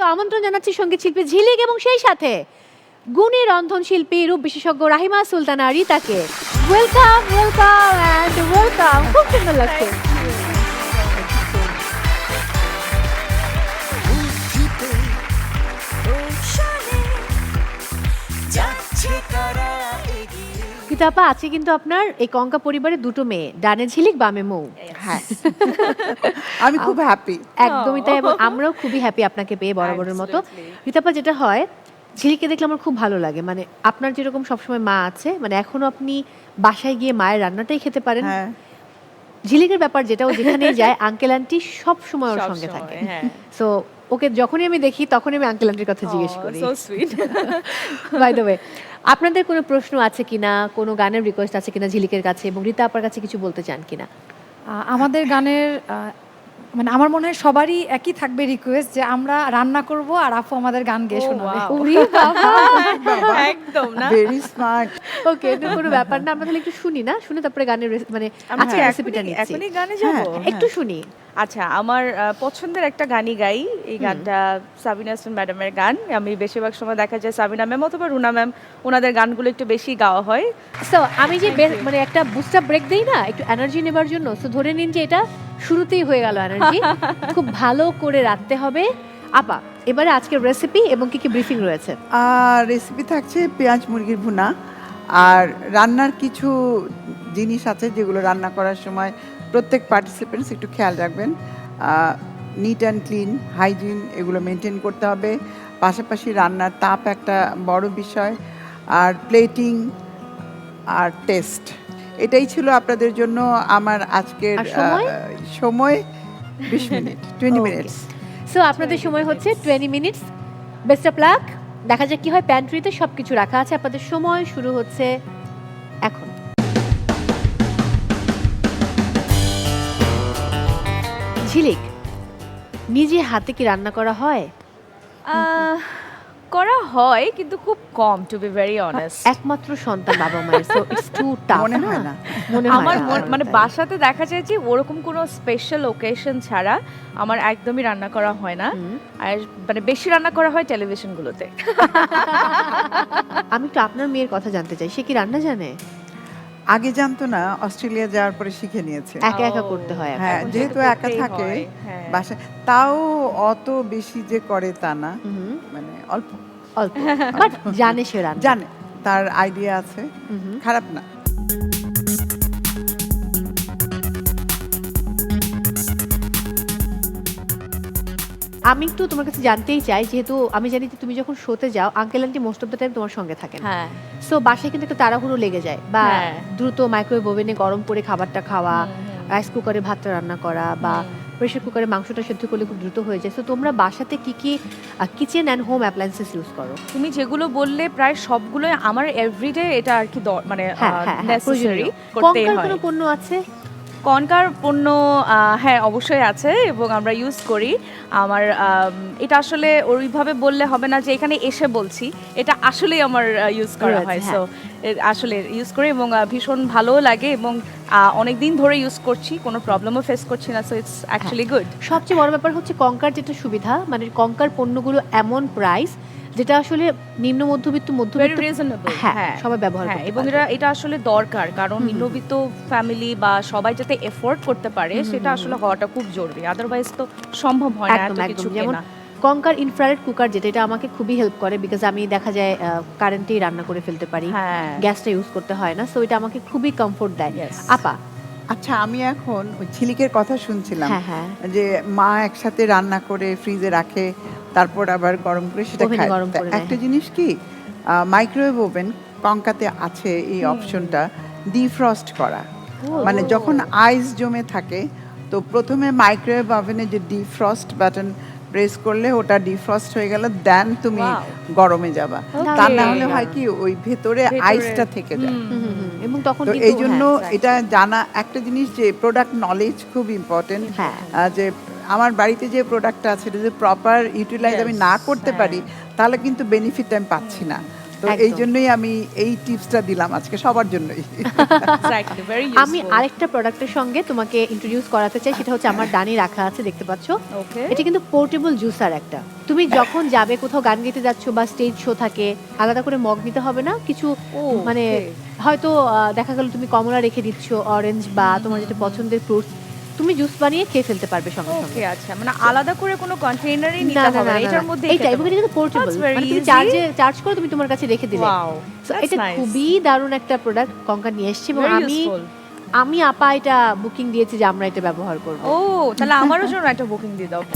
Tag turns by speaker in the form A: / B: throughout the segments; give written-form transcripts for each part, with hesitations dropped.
A: আমন্ত্রণ জানাচ্ছি সঙ্গীত শিল্পী ঝিলিক এবং সেই সাথে গুণী রন্ধনশিল্পী রূপ বিশেষজ্ঞ রাহিমা সুলতানা রিতাকে। Welcome welcome and welcome. খুব সুন্দর লাগছে। রিতাপা, আছে কিন্তু আপনার এই কঙ্কা পরিবারের দুটো মেয়ে, ডানে ঝিলিক বামে মৌ।
B: হ্যাঁ, আমি খুব হ্যাপি।
A: একদমই তাই, এবং আমরাও খুবই হ্যাপি আপনাকে পেয়ে বরাবরের মতো। রিতাপা, যেটা হয় ঝিলিককে দেখলে আমার খুব ভালো লাগে, মানে আপনার যেরকম সবসময় মা আছে, মানে এখনো আপনি বাসায় গিয়ে মায়ের রান্নাটাই খেতে পারেন। ঝিলিকের ব্যাপার যেটা, ও যেখানেই যায় আঙ্কেল আন্টি সব সময় ওর সঙ্গে থাকে। সো ওকে যখনই আমি দেখি তখনই আমি আঙ্কেল আন্টির কথা জিজ্ঞেস করি। বাই দ্য ওয়ে, আপনাদের কোনো প্রশ্ন আছে কিনা, কোনো গানের রিকোয়েস্ট আছে কিনা ঝিলিকের কাছে, এবং রিতা আপার কাছে কিছু বলতে চান কিনা?
C: আমাদের গানের মানে আমার মনে হয় সবারই একই থাকবে রিকোয়েস্ট যে আমরা রান্না করব আর আপু আমাদের গান গেয়ে শোনাবে।
A: ওরে বাবা,
B: একদম না, ভেরি স্মার্ট।
A: ওকে, এটা কোনো ব্যাপার না, আমরা তাহলে একটু শুনি না, শুনে তারপরে গানের মানে আজকে রেসিপিটা নিচ্ছি।
D: এখনই গানে যাব,
A: একটু শুনি।
D: আচ্ছা, আমার পছন্দের একটা গানই গাই। এই গানটা সাবিনা হাসান ম্যাডামের গান। আমি বেশিরভাগ সময় দেখা যায় সাবিনা ম্যাম অথবা রুনা ম্যাম, ওনাদের গানগুলো একটু বেশি গাওয়া হয়।
A: সো আমি যে মানে একটা বুস্টার ব্রেক দেই না একটু এনার্জি নেবার জন্য, সো ধরে নিন যে এটা শুরুতেই হয়ে গেল এনার্জি। খুব ভালো করে রাখতে হবে। আপা, এবারে আজকের রেসিপি এবং কি কি ব্রিফিং রয়েছে?
B: রেসিপি থাকছে পেঁয়াজ মুরগির ভুনা, আর রান্নার কিছু জিনিস আছে যেগুলো রান্না করার সময় প্রত্যেক পার্টিসিপেন্টস একটু খেয়াল রাখবেন। নিট অ্যান্ড ক্লিন, হাইজিন এগুলো মেনটেন করতে হবে। পাশাপাশি রান্নার তাপ একটা বড় বিষয়, আর প্লেটিং আর টেস্ট, এটাই ছিল আপনাদের জন্য আমার আজকের সময়। 20 মিনিট, 20 মিনিটস।
A: সো আপনাদের সময় হচ্ছে 20 মিনিটস। Best of luck. দেখা যাক কি হয়। প্যান্ট্রিতে সবকিছু রাখা আছে। আপনাদের সময় শুরু হচ্ছে এখন। ঝিলিক, নিজে হাতে কি রান্না করা হয়?
D: করা হয়, কিন্তু খুব কম, টু বি ভেরি অনেস্ট।
A: একমাত্র সন্তান বাবা মায়ের, সো ইটস টু টাফ।
B: মনে হয় না,
D: আমার মানে বাসাতে দেখা যায় যে ওরকম কোনো স্পেশাল ওকেশন ছাড়া আমার একদমই রান্না করা হয় না। আর মানে বেশি রান্না করা হয় টেলিভিশনগুলোতে।
A: আমি তো আপনার মেয়ের কথা জানতে চাই, সে কি রান্না জানে?
B: আগে জানতো না, অস্ট্রেলিয়া যাওয়ার পরে শিখে নিয়েছে।
A: একা একা করতে হয়।
B: হ্যাঁ, যেহেতু একা থাকে বাসায়, তাও অত বেশি যে করে তা না, মানে অল্প
A: অল্প, বাট জানে সে রান্না,
B: জানে, তার আইডিয়া আছে, খারাপ না।
A: আমি একটু তোমার কাছে জানতেই চাই, যেহেতু আমি জানি যে তুমি যখন শোতে যাও uncle aunty most of the time তোমার সঙ্গে থাকেন।
D: হ্যাঁ,
A: সো বাসায় কিন্তু একটা তাড়াহুড়ো লেগে যায়, বা দ্রুত মাইক্রোওয়েভ ওভেনে গরম করে খাবারটা খাওয়া, রাইস কুকারে ভাতটা রান্না করা, বা প্রেসার কুকারে মাংসটা সেদ্ধ করলে খুব দ্রুত হয়ে যায়। সো তোমরা বাসাতে কি কি kitchen and home appliances use করো?
D: তুমি যেগুলো বললে প্রায় সবগুলোই আমার এভরিডে এটা আর কি মানে নেসেসারি করতেই হয়।
A: কোনো পণ্য আছে?
D: কনকার পণ্য হ্যাঁ অবশ্যই আছে, এবং আমরা ইউজ করি। আমার এটা আসলে ওইভাবে বললে হবে না যে এখানে এসে বলছি, এটা আসলেই আমার ইউজ করা হয়। সো আসলে ইউজ করি এবং ভীষণ ভালোও লাগে, এবং অনেক দিন ধরে ইউজ করছি, কোনো প্রবলেমও ফেস করছি না। So it's actually good.
A: সবচেয়ে বড় ব্যাপার হচ্ছে কঙ্কার যেটা সুবিধা, মানে কঙ্কার পণ্যগুলো এমন প্রাইস যেটা আসলে নিম্ন মধ্যবিত্ত হ্যাঁ সবাই ব্যবহার করতে পারে,
D: এবং এটা আসলে দরকার, কারণ নিম্নবিত্ত ফ্যামিলি বা সবাই যাতে এফোর্ড করতে পারে সেটা আসলে হওয়াটা খুব জরুরি, আদারওয়াইজ তো সম্ভব হয় না এত কিছু কেনা।
A: কঙ্কার ইনফ্রারেড কুকার যেটা, এটা আমাকে খুবই হেল্প করে, বিকজ আমি দেখা যায় কারেন্টেই রান্না করে ফেলতে পারি, গ্যাসটা ইউজ করতে হয় না। সো এটা আমাকে খুবই কমফোর্ট দেয়। আপা,
B: আচ্ছা, আমি এখন ওই ঝিলিকের কথা শুনছিলাম যে মা একসাথে রান্না করে ফ্রিজে রাখে, তারপর আবার গরম করে সেটা খায়। একটা জিনিস কি, মাইক্রোওয়েভ ওভেন কঙ্কাতে আছে এই অপশনটা, ডিফ্রস্ট করা। মানে যখন আইস জমে থাকে, তো প্রথমে মাইক্রোওয়েভ ওভেনে যে ডিফ্রস্ট বাটন প্রেস করলে ওটা ডিফ্রস্ট হয়ে গেল, দেন তুমি গরমে যাবা। তা না হলে হয় কি, ওই ভেতরে আইসটা থেকে যায়,
A: এবং তখন
B: এই জন্য এটা জানা একটা জিনিস যে প্রোডাক্ট নলেজ খুব ইম্পর্টেন্ট। যে আমার বাড়িতে যে প্রোডাক্টটা আছে, এটা যদি প্রপার ইউটিলাইজ আমি না করতে পারি, তাহলে কিন্তু বেনিফিট আমি পাচ্ছি না। তো এই জন্যই আমি এই টিপসটা দিলাম আজকে সবার জন্যই।
D: Exactly, very useful.
A: আমি আরেকটা প্রোডাক্টের সঙ্গে তোমাকে ইন্ট্রোডিউস করাতে চাই, সেটা হচ্ছে আমার ডানি রাখা আছে, দেখতে পাচ্ছো।
D: ওকে,
A: এটা কিন্তু পোর্টেবল জুসার একটা। তুমি যখন যাবে কোথাও গান গাইতে যাচ্ছ বা স্টেজ শো থাকে, আলাদা করে মগ নিতে হবে না কিছু। মানে হয়তো দেখা গেল তুমি কমলা রেখে দিচ্ছ, অরেঞ্জ বা তোমার যেটা পছন্দের ফ্রুটস, তুমি জুস বানিয়ে খেয়ে ফেলতে পারবে সঙ্গে সঙ্গে।
D: ওকে, আচ্ছা, মানে আলাদা করে কোনো কন্টেইনারই নিতে হবে না, এটার মধ্যে
A: এইটা এবং এটা কিন্তু পোর্টেবল, মানে তুমি চার্জ করে তুমি তোমার কাছে রেখে দিলে।
D: ওয়াও,
A: সো এটা খুবই দারুণ একটা প্রোডাক্ট কঙ্কা নিয়ে এসেছে, এবং আমি আপা এটা বুকিং দিয়েছি যে আমরা এটা ব্যবহার করব।
D: ও, তাহলে আমারও জন্য একটা বুকিং দিয়ে দাও।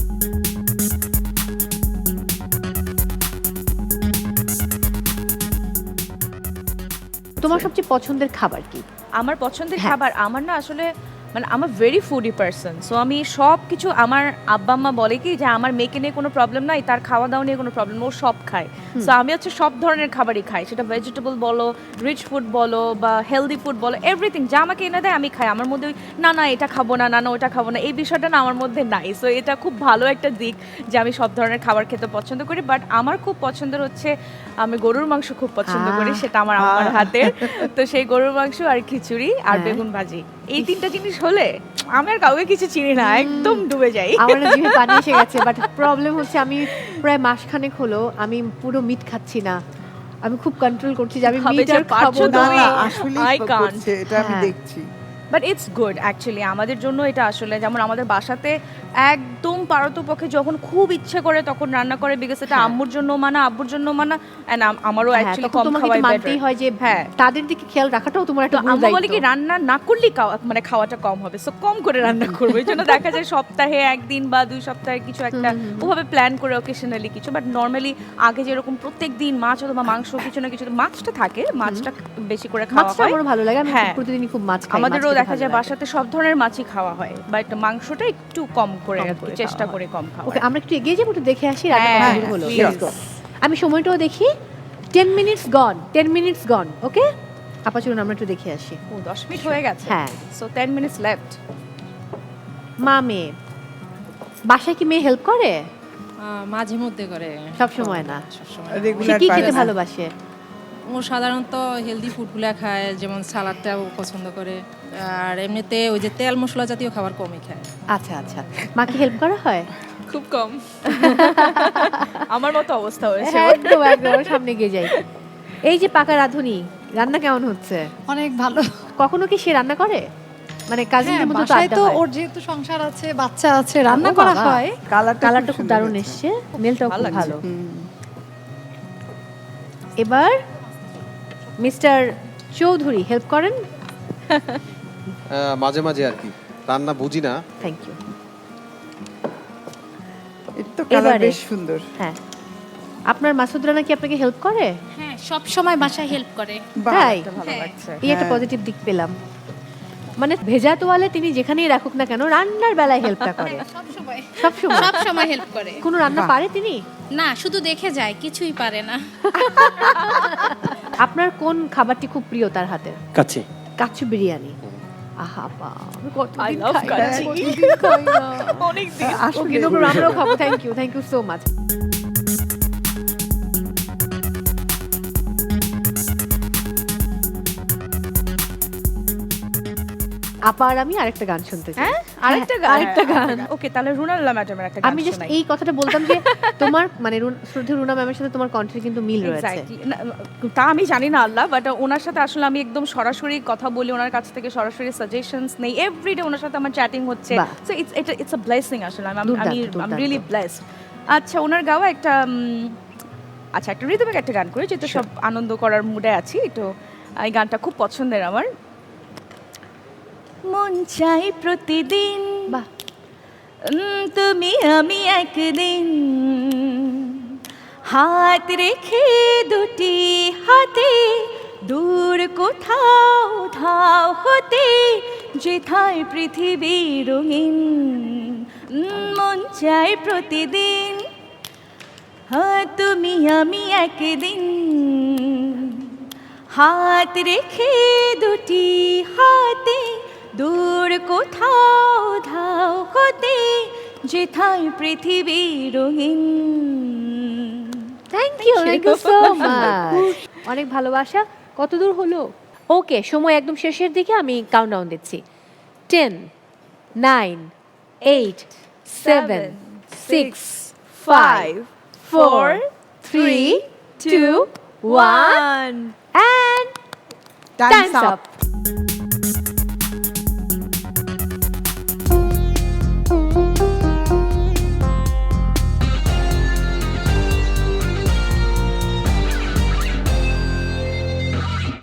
A: তোমার সবচেয়ে পছন্দের খাবার কি?
D: আমার পছন্দের খাবার, আমার না আসলে মানে আমার ভেরি ফুডি পারসন। সো আমি সব কিছু, আমার আব্বা আম্মা বলে কি যে আমার মেয়েকে নিয়ে কোনো প্রবলেম নাই, তার খাওয়া দাওয়া নিয়ে কোনো প্রবলেম, ও সব খায়। সো আমি হচ্ছে সব ধরনের খাবারই খাই, সেটা ভেজিটেবল বলো, রিচ ফুড বলো বা হেলদি ফুড বলো, এভরিথিং যা আমাকে এনে দেয় আমি খাই। আমার মধ্যে না না এটা খাবো না, না না ওটা খাবো না, এই বিষয়টা না আমার মধ্যে নাই। সো এটা খুব ভালো একটা দিক যে আমি সব ধরনের খাবার খেতে পছন্দ করি। বাট আমার খুব পছন্দের হচ্ছে, আমি গরুর মাংস খুব পছন্দ করি, সেটা আমার আম্মার হাতের। তো সেই গরুর মাংস আর খিচুড়ি আর বেগুন ভাজি, এই তিনটা জিনিস হলে আমি আর কাউকে কিছু চিনি না, একদম ডুবে যাই।
A: আমার না জিভে পানি এসে গেছে, বাট প্রবলেম হচ্ছে আমি প্রায় মাসখানেক হলো আমি পুরো মিট খাচ্ছি না। আমি খুব কন্ট্রোল করছি যে আমি মিট আর খাবো না।
B: আসলে এটা আমি দেখছি।
D: বাট ইটস গুড অ্যাকচুয়ালি আমাদের জন্য এটা আসলে, যেমন আমাদের বাসাতে একদম পারতপক্ষে যখন খুব ইচ্ছে করে তখন রান্না করে, বিকজ এটা আম্মুর জন্য মানা, আব্বুর জন্য মানা, এন্ড আমারও অ্যাকচুয়ালি কম খাওয়াই
A: মানতেই হয় যে তাদের দিকে খেয়াল রাখাটাও তোমার একটা
D: আম্মু বলে কি রান্না না করলেই মানে খাওয়াটা কম হবে, সো কম করে রান্না করবো। এই জন্য দেখা যায় সপ্তাহে একদিন বা 2 সপ্তাহে কিছু একটা ওভাবে প্ল্যান করে অকেশনালি কিছু। বাট নর্মালি আগে যেরকম প্রত্যেক দিন মাছ অথবা মাংস কিছু না কিছু, মাছটা থাকে, মাছটা বেশি করে খাওয়া হয়।
A: আমারও ভালো লাগে, আমি প্রতিদিনই খুব মাছ খাই।
D: আমাদেরও দেখা যায় বাসাতে সব ধরনের মাছই খাওয়া হয়, বাট মাংসটা একটু কম করে চেষ্টা করে কম খাওয়া।
A: ওকে, আমরা একটু এগিয়ে যাবো, একটু দেখে আসি রান্না কেমন হলো। আমি সময়টাও দেখি, 10 মিনিটস গন, 10 মিনিটস গন। ওকে আপা, চলুন আমরা একটু দেখে আসি।
D: ও 10 মিনিট হয়ে গেছে।
A: হ্যাঁ,
D: সো 10 মিনিটস লেফট।
A: মা মেয়ে বাসায় কি মেয়ে হেল্প করে?
E: মাঝে মধ্যে করে,
A: সব সময় না।
B: রেগুলার
A: কি খেতে ভালোবাসে?
E: ও সাধারণত হেলদি ফুডগুলো খায়, যেমন সালাডটাও পছন্দ করে, আর এমনিতে ওই যে তেল মশলা জাতীয় খাবার কমই খায়।
A: আচ্ছা আচ্ছা, মাকে হেল্প করা হয়?
E: খুব কম।
D: আমার মতো অবস্থা হয়েছে।
A: একদম একদম, সামনে গিয়ে যাই। এই যে পাকা রাঁধুনি, রান্না কেমন হচ্ছে?
C: অনেক ভালো।
A: কখনো কি সে রান্না করে? মানে কাজিনদের মতো
C: বাসায় তো ওর যেহেতু সংসার আছে, বাচ্চা আছে, রান্না করা হয়।
A: কালারটা খুব দারুণ এসছে, মেলটাও খুব ভালো। এবার মিস্টার চৌধুরী হেল্প করেন?
F: মাঝে মাঝে আর কি, রান্না বুঝি না।
A: Thank you.
B: এটা তো কালার বেশ সুন্দর।
A: হ্যাঁ, আপনার মাসুদ রানা কি আপনাকে হেল্প করে?
G: হ্যাঁ, সব সময় বাসায় হেল্প করে।
A: তাই,
D: ভালো লাগছে।
A: এই একটা পজিটিভ দিক পেলাম। মানে ভেজা তোয়ালে তিনি যেখানেই রাখুক না কেন, রান্নার বেলায় হেল্পটা করে।
G: সব সময়
A: সব সময়
G: হেল্প করে।
A: কোনো রান্না পারে তিনি?
G: না, শুধু দেখে যায়, কিছুই পারে না।
A: আপনার কোন খাবারটি খুব প্রিয় তার হাতের?
F: কাচ্চি।
A: কাচ্চি বিরিয়ানি। আহা বা, আমি কতদিন
D: I love
A: খাই না,
D: কাচ্চি।
A: কতদিন খাই না।
D: অনেক দিন।
A: Okay, no problem, আমরাও খাবো। Thank you so much. আপা আর আমি আরেকটা গান শুনতে চাই।
D: আরেকটা গান। ওকে, তাহলে রুনাল্লা ম্যাডামের একটা গান
A: আমি জাস্ট
D: শোনাই।
A: এই কথাটা বলতাম যে তোমার মানে শ্রদ্ধেয় রুনা ম্যামের সাথে তোমার কণ্ঠের কিন্তু মিল রয়েছে।
D: Exactly. তা আমি জানি না আল্লাহ, বাট ওনার সাথে আসলে আমি একদম সরাসরি কথা বলি, ওনার কাছ থেকে সরাসরি সাজেশনস নেই, এভরিডে ওনার সাথে আমার চ্যাটিং হচ্ছে। সো ইটস আ ব্লেসিং আসলে। আমি রিয়েলি ব্লেসড। আচ্ছা, ওনার গাওয়া একটা একটা রিদমিক একটা গান করি, যেহেতু সব আনন্দ করার মুডে আছি, তো এই গানটা খুব পছন্দের আমার। মন চাই প্রতিদিন,
A: বাহ,
D: তুমি আমি একদিন, হাত রেখে দুটি হাতে দূর কোথাও ধাও হতে, যেথায় পৃথিবী রঙিন। মন চাই প্রতিদিন, তুমি আমি একদিন, হাত রেখে দুটি হাতে দূর কোথাও ধাও হতে, যেথায় পৃথিবী রঙিন।
A: Thank you so much. অনেক ভালোবাসা। কত দূর হলো? ওকে, সময় একদম শেষের দিকে, আমি কাউন্টডাউন দিচ্ছি। 10, 9, 8, 7, 6, 5, 4, 3, 2, 1 and time's up.